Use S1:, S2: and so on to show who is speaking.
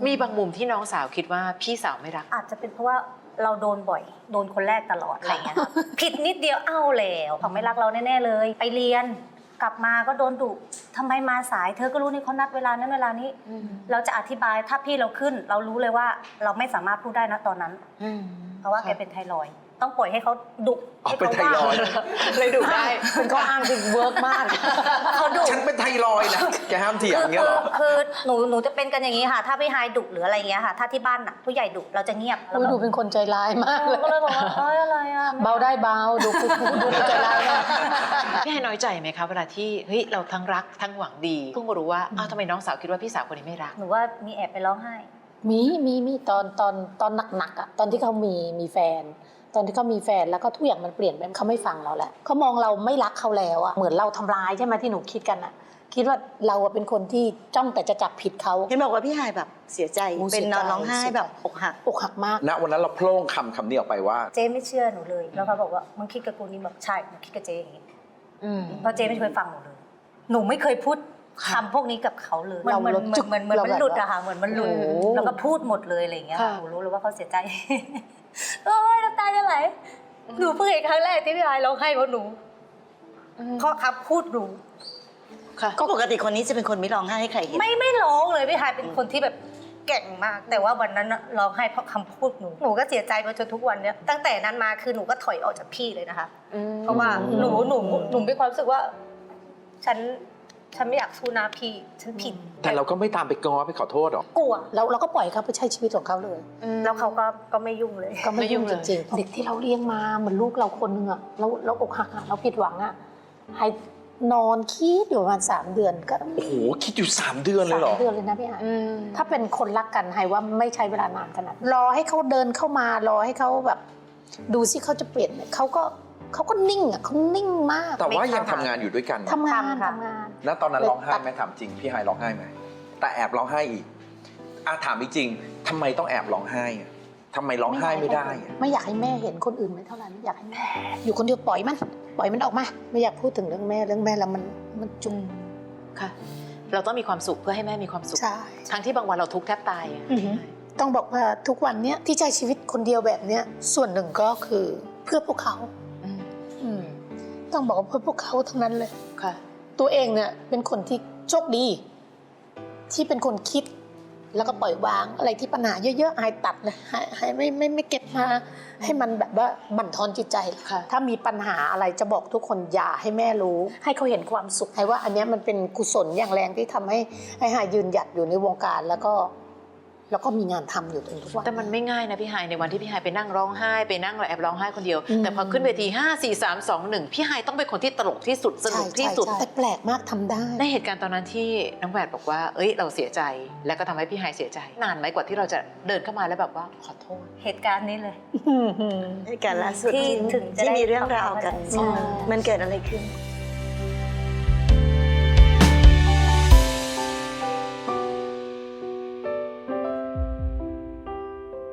S1: มีบางมุมที่น้องสาวคิดว่าพี่สาวไม่รัก
S2: อาจจะเป็นเพราะว่าเราโดนบ่อยโดนคนแรกตลอดอะไรเงี้ยผิดนิดเดียวเอาแล้วเขาไม่รักเราแน่ๆเลยไปเรียนกลับมาก็โดนดุทำไมมาสายเธอก็รู้นี่เขานัดเวลานั้นเวลานี้เราจะอธิบายถ้าพี่เราขึ้นเรารู้เลยว่าเราไม่สามารถพูดได้นะตอนนั้นเพราะว่าแกเป็นไทรอยด์ต้องปล่อยให้เขาดุให้เขาว่า
S1: เลยดุได้เป็นข้ออ้างที่เวิร์กมาก
S2: เขาดุ
S3: ฉันเป็นไทรอยด์นะแกห้ามเถียงอย่างเงี้ยหรอ
S2: คือหนูจะเป็นกันอย่างนี้ค่ะถ้าพี่ไฮดุหรืออะไรเงี้ยค่ะถ้าที่บ้านน่ะผู้ใหญ่ดุเราจะเงียบ
S4: ดูเป็นคนใจร้ายมากเลย
S2: ก็เลยบอกว่าอะไรอ่ะ
S4: เบาได้เบาดูดูใจร้ายมาก
S1: พี่ไฮน้อยใจไหมคะเวลาที่เฮ้ยเราทั้งรักทั้งหวังดีเพิ่งมารู้ว่าอ้าวทำไมน้องสาวคิดว่าพี่สาวคนนี้ไม่รัก
S2: หนูว่ามีแอบไปร้องไห้
S4: มีตอนหนักๆอ่ะตอนที่เขามีแฟนตอนที่เขามีแฟนแล้วก็ทุกอย่างมันเปลี่ยนไปเขาไม่ฟังเราแล้วเขามองเราไม่รักเขาแล้วอ่ะเหมือนเราทำร้ายใช่ไหมที่หนูคิดกันอ่ะคิดว่าเราเป็นคนที่จ้องแต่จะจับผิดเขา
S5: เห็นบอกว่าพี่ไฮแบบเสียใจเป็นนอนร้องไห้แบบอกหัก
S4: มาก
S3: ณวันนั้นเราโพล่งคำนี้ออกไปว่า
S2: เจ๊ไม่เชื่อหนูเลยแล้วเขาบอกว่ามึงคิดกับกูนี่แบบใช่หนูคิดกับเจ๊อย่างนี้เพราะเจ๊ไม่เคยฟังหนูเลยหนูไม่เคยพูดคำพวกนี้กับเขาเลยเหมือนมันหลุดอะค่ะเหมือนมันหลุดแล้วก็พูดหมดเลยอะไรอย่างเงี้ยหนูรู้เลยว่าเขาเสียใจโอ้ยน้ำตาจะไหลหนูเพิ่งเห็นครั้งแรกที่พี่ไฮร้องไห้เพราะหนูเพราะคำพูดหนู
S5: ก็ปกติคนนี้จะเป็นคนไม่ร้องไห้ให้ใครเห็น
S2: ไม่ร้องเลยพี่ไฮเป็นคนที่แบบเก่งมากแต่ว่าวันนั้นร้องไห้เพราะคำพูดหนูก็เสียใจมาจนทุกวันเนี้ยตั้งแต่นั้นมาคือหนูก็ถอยออกจากพี่เลยนะคะเพราะว่าหนูมีความรู้สึกว่าฉันไม่อยากสู้หน้าพี่ฉันผิด
S3: แต่เราก็ไม่ตามไปง้อไปขอโทษหรอก
S2: กลัว
S4: เราก็ปล่อยเขาไปใช้ชีวิตของเขาเลย
S2: แล้วเขาก็ไม่ยุ่งเลย
S4: ก็ไม่ยุ่งจริงๆเด็กที่เราเลี้ยงมาเหมือนลูกเราคนนึงอะเราอกหักอะเราผิดหวังอะให้นอนคิดอยู่ประมาณ3 เดือนก็
S3: โอ้โหคิดอยู่3 เดือนเลยเหรอ
S4: 3 เดือนเลยนะพี่ไฮถ้าเป็นคนรักกันไฮว่าไม่ใช้เวลานานขนาดรอให้เขาเดินเข้ามารอให้เขาแบบดูสิเขาจะเปลี่ยนเขาก็นิ่งอ่ะเขานิ่งมาก
S3: แต่ว่ายังทำงานอยู่ด้วยกัน
S4: ทำงาน
S3: แล้วตอนนั้นร้องไห้ไหมถามจริงพี่ไฮร้องไห้ไหมแต่แอบร้องไห้อีกถามจริงทำไมต้องแอบร้องไห้ทำไมร้องไห้ไม่ได้
S4: ไม่อยากให้แม่เห็นคนอื่นไม่เท่าไหร่ไม่อยากให้แม่อยู่คนเดียวปล่อยมันออกมาไม่อยากพูดถึงเรื่องแม่แล้วมันจุก
S1: ค่ะเราต้องมีความสุขเพื่อให้แม่มีความสุขทั้งที่บางวันเราทุกข์แทบตาย
S4: ต้องบอกว่าทุกวันนี้ที่ใช้ชีวิตคนเดียวแบบนี้ส่วนหนึ่งก็คือเพื่อพวกเขาต้องบอกว่าเพื่อพวกเขาทั้งนั้นเลย
S1: ค่ะ
S4: ตัวเองเนี่ยเป็นคนที่โชคดีที่เป็นคนคิดแล้วก็ปล่อยวางอะไรที่ปัญหาเยอะๆหายตัดเลยหายไม่เก็บมาให้มันแบบว่าบั่นทอนจิตใจถ้ามีปัญหาอะไรจะบอกทุกคนอย่าให้แม่รู้ให้เขาเห็นความสุขให้ว่าอันนี้มันเป็นกุศลอย่างแรงที่ทำให้หายยืนหยัดอยู่ในวงการแล้วก็มีงานทำอยู่จนทุกวัน
S1: แต่มันไม่ง่ายนะพี่ไฮในวันที่พี่ไฮไปนั่งร้องไห้ไปนั่งแอบร้องไห้คนเดียวแต่พอขึ้นเวที5 4 3 2 1พี่ไฮต้องเป็นคนที่ตลกที่สุดสนุกที่สุด
S4: แต่แปลกมากทำได้
S1: ในเหตุการณ์ตอนนั้นที่น้องแหวนบอกว่าเอ้ยเราเสียใจแล้วก็ทำให้พี่ไฮเสียใจนานไหมกว่าที่เราจะเดินเข้ามาแล้วแบบว่าขอโทษ
S2: เหตุการณ์นี้เลย
S5: เหตุการณ์ล่าสุดที่มีเรื่องราวกันมันเกิดอะไรขึ้น